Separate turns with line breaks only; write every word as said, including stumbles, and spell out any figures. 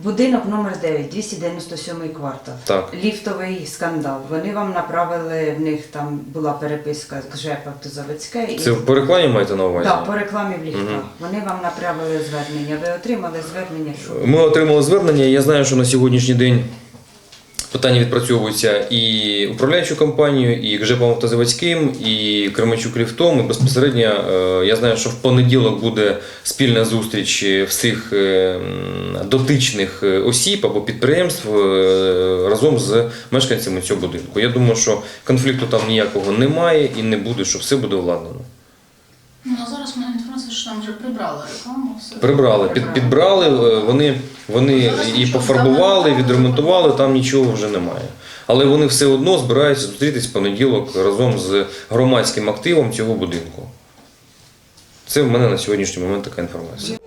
Будинок номер дев'ять, двісті дев'яносто сьомий квартал.
Так.
Ліфтовий скандал. Вони вам направили, в них там була переписка з ЖЕП Автозаводське. І...
Це по рекламі маєте на увазі?
Так, по рекламі в ліфтах.
Угу.
Вони вам направили звернення. Ви отримали звернення? Що?
Ми отримали звернення. Я знаю, що на сьогоднішній день питання відпрацьовуються і управляючою компанією, і ЖЕПом Автозаводським, і Кременчук ліфтом. І безпосередньо я знаю, що в понеділок буде спільна зустріч всіх дотичних осіб або підприємств разом з мешканцями цього будинку. Я думаю, що конфлікту там ніякого немає і не буде, що все буде владнано.
Ну, а зараз в мене інформація, що там вже прибрали рекламу. Все.
Прибрали, під, підбрали, вони, вони і пофарбували, і відремонтували, там нічого вже немає. Але вони все одно збираються зустрітись в понеділок разом з громадським активом цього будинку. Це в мене на сьогоднішній момент така інформація.